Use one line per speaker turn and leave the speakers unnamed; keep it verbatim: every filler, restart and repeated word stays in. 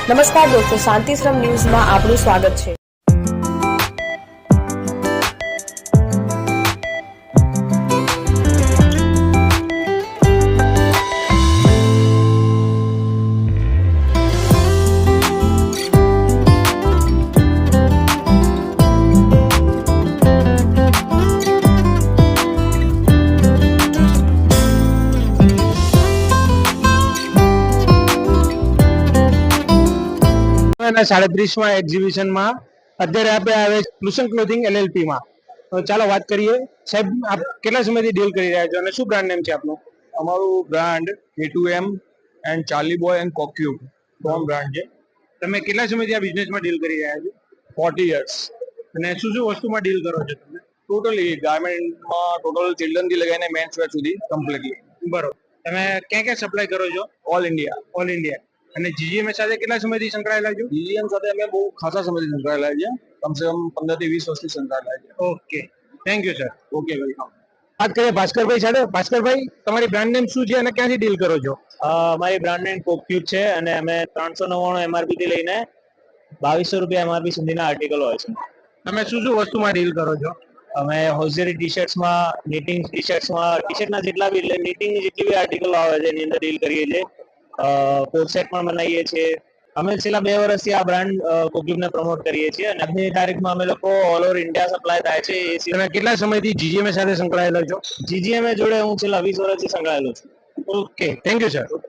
નમસ્કાર દોસ્તો, શાંતિશ્રમ ન્યૂઝમાં આપનું સ્વાગત છે।
સાડત્રીસમાં એક્ઝિબિશનમાં અત્યારે આપણે આવે લુસન ક્લોથિંગ એલએલપી માં। તો ચાલો વાત કરીએ સાહેબ, આપ કેટલા સમયથી ડીલ કરી રહ્યા છો અને શું બ્રાન્ડ નેમ છે આપનું?
અમારું બ્રાન્ડ કે two M and Charlie Boy and Cocube ત્રણ બ્રાન્ડ છે।
તમે કેટલા સમયથી આ બિઝનેસમાં ડીલ કરી રહ્યા છો?
Forty years.
અને શું શું વસ્તુમાં ડીલ કરો છો તમે?
ટોટલી ગાર્મેન્ટમાં ટોટલ ચિલ્ડ્રન થી લગાવીને મેન્સ વેર સુધી કમ્પ્લીટલી।
બરોબર, તમે ક્યાં ક્યાં સપ્લાય કરો છો?
All India.
All India. અને જીજીએમ સાથે કેટલા સમયથી સંકળાયેલા છો?
જીજીએમ સાથે અમે બહુ ખાસા સમયથી સંકળાયેલા છે, કમસે કમ પંદર થી વીસ વર્ષથી સંકળાયેલા છે।
Okay, thank you sir.
Okay, welcome.
વાત કરીએ ભાસ્કરભાઈ સાથે। ભાસ્કરભાઈ, તમારી બ્રાન્ડ નેમ શું છે અને ક્યાંથી ડીલ કરો છો?
અમારી બ્રાન્ડ નેમ કોક્યુબ છે અને અમે ત્રણસો નવ્વાણું એમઆરપી થી લઈને બાવીસો રૂપિયા એમઆરપી સુધીના આર્ટિકલ હોય છે।
તમે શું શું વસ્તુમાં ડીલ કરો છો?
અમે હોઝરી ટી શર્ટ્સમાં, નીટિંગ ટી શર્ટ્સમાં, ટી શર્ટના જેટલા બી એટલે નીટિંગની જેટલી બી આર્ટિકલ આવે છે એની અંદર ડીલ કરીએ છીએ। કોટ સેટ પણ બનાવીએ છીએ। અમે છેલ્લા બે વર્ષથી આ બ્રાન્ડ કોક્યુબને પ્રમોટ કરીએ છીએ અને આજની તારીખમાં અમે લોકો ઓલ ઓવર ઇન્ડિયા સપ્લાય થાય છે। એ
તમે કેટલા સમયથી જીજીએમ સાથે સંકળાયેલા છો?
જીજીએમ જોડે હું છેલ્લા વીસ વર્ષથી સંકળાયેલો છું।
Okay, thank you sir.